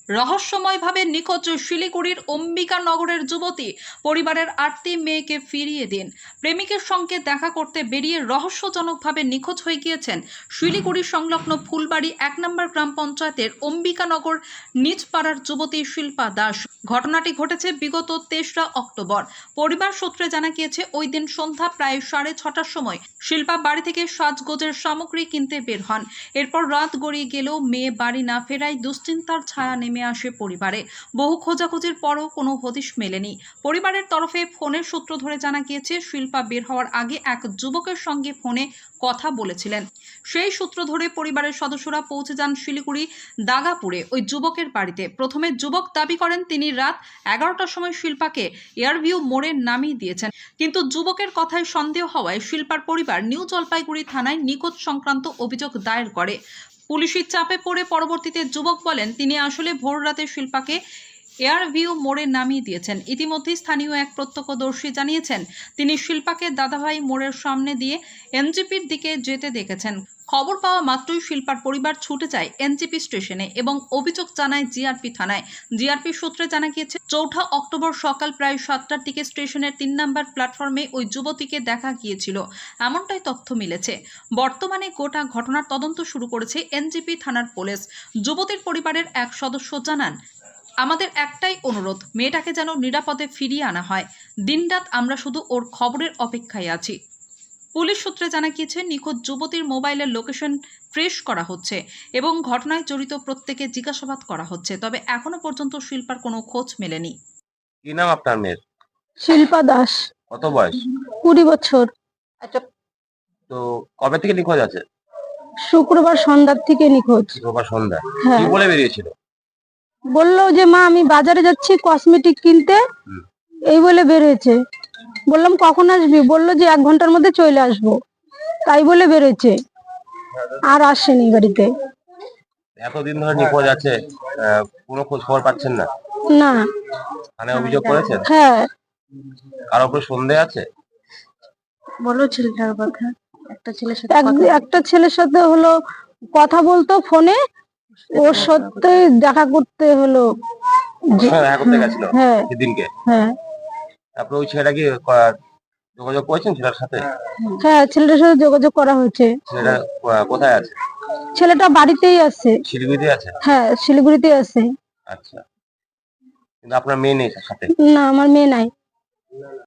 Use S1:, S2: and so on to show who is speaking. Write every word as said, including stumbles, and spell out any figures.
S1: রহস্যময়ভাবে নিখোঁজ শিলিগুড়ির অম্বিকানগরের যুবতী। পরিবারের আটটি মেয়েকে ফিরিয়ে দিন। প্রেমিকের সঙ্গে দেখা করতে বেরিয়ে রহস্যজনকভাবে নিখোঁজ হয়ে গিয়েছেন শিলিগুড়ি সংলগ্ন ফুলবাড়ি এক নম্বর গ্রাম পঞ্চায়েতের অম্বিকানগর নিজপাড়ার যুবতী শিল্পা দাস। ঘটনাটি ঘটেছে বিগত তেসরা অক্টোবর। পরিবার সূত্রে জানা গিয়েছে ওই দিন সন্ধ্যা প্রায় সাড়ে ছটার সময় শিল্পা বাড়ি থেকে সাজগোজের সামগ্রী কিনতে বের হন। এরপর রাত গড়িয়ে গেলেও মেয়ে বাড়ি না ফেরায় দুশ্চিন্তার ছায়া নেমে আসে পরিবারে। বহু খোঁজাখুঁজির পরও কোনো হদিশ মেলেনি। পরিবারের তরফে ফোনের সূত্র ধরে জানা গিয়েছে শিল্পা বের হওয়ার আগে এক যুবকের সঙ্গে ফোনে কথা বলেছিলেন। সেই সূত্র ধরে পরিবারের সদস্যরা পৌঁছে যান শিলিগুড়ি দাগাপুরে ওই যুবকের বাড়িতে। প্রথমে যুবক দাবি করেন তিনি রাত এগারোটার সময় শিল্পাকে এয়ারভিউ মোড়ে নামিয়ে দিয়েছেন, কিন্তু যুবকের কথায় সন্দেহ হওয়ায় শিল্পার পরিবার নিউ জলপাইগুড়ি থানায় নিখোঁজ সংক্রান্ত অভিযোগ দায়ের করে। পুলিশের চাপে পড়ে পরবর্তীতে যুবক বলেন তিনি আসলে ভোর রাতে শিল্পাকে এয়ারভিউ মোড়ে নামিয়ে দিয়েছেন। ইতিমধ্যে স্থানীয় এক প্রত্যক্ষদর্শী জানিয়েছেন তিনি শিল্পাকে দাদাভাই মোড়ের সামনে দিয়ে এনজিপির দিকে যেতে দেখেছেন। খবর পাওয়া মাত্রই শিল্পার পরিবার ছুটে যায় এনজিপি স্টেশনে এবং অভিযোগ জানায় জিআরপি থানায়। জিআরপি সূত্রে জানা গিয়েছে চৌঠা অক্টোবর সকাল প্রায় সাতটার দিকে স্টেশনের তিন নম্বর প্ল্যাটফর্মে ওই যুবতীকে দেখা গিয়েছিল, এমনটাই তথ্য মিলেছে। বর্তমানে গোটা ঘটনার তদন্ত শুরু করেছে এনজিপি থানার পুলিশ। যুবতীর পরিবারের এক সদস্য জানান, আমাদের একটাই অনুরোধ, মেয়েটাকে যেন নিরাপদে ফিরিয়ে আনা হয়। দিনরাত আমরা শুধু ওর খবরের অপেক্ষায় আছি। পুলিশ সূত্রে জানা গিয়েছে নিখোঁজ যুবতীর মোবাইলের লোকেশন ট্রেস করা হচ্ছে এবং ঘটনায় জড়িত প্রত্যেকে জিজ্ঞাসাবাদ করা হচ্ছে। তবে এখনো পর্যন্ত শিল্পার কোনো খোঁজ মেলেনি।
S2: কি নাম আপনার মেয়ের?
S3: শিল্পা দাস।
S2: কত বয়স?
S3: কুড়ি বছর।
S2: আচ্ছা, তো কবে থেকে নিখোঁজ আছে?
S3: শুক্রবার সন্ধ্যার থেকে নিখোঁজ।
S2: শুক্রবার সন্ধ্যা।
S3: হ্যাঁ।
S2: কি বলে বেরিয়েছিল?
S3: বললো যে মা আমি বাজারে যাচ্ছি কসমেটিক কিনতে, এই বলে বেরিয়েছে। বললাম কখন আসবি? বললো যে এক ঘন্টার মধ্যে চলে আসবো, তাই বলে বেরিয়েছে, আর আসেনি বাড়িতে।
S2: এতদিন ধরে নিখোঁজ আছে, আহ, কোনো খোঁজ খবর পাচ্ছেন না?
S3: না।
S2: থানায় অভিযোগ করেছেন?
S3: হ্যাঁ।
S2: কারোর উপর সন্দেহ আছে?
S3: বলো ছেলেটার কথা। একটা ছেলের সাথে একটা ছেলের সাথে হলো কথা বলতো ফোনে, ওর সত্যি দেখা করতে হলো।
S2: হ্যাঁ, দেখা করতে গেছিল
S3: হ্যাঁ
S2: সেদিনকে।
S3: হ্যাঁ
S2: তারপরে ওই ছেলেটা কি ক- যোগাযোগ করেছেন ছেলের সাথে?
S3: হ্যাঁ ছেলেটার সাথে যোগাযোগ করা হয়েছে।
S2: ছেলেটা ক- কোথায় আছে?
S3: ছেলেটা বাড়িতেই আছে।
S2: শিলিগুড়িতে আছে?
S3: হ্যাঁ শিলিগুড়িতে আছে।
S2: আচ্ছা, কিন্তু আপনার মেয়ে নেই তার সাথে?
S3: না আমার মেয়ে নাই।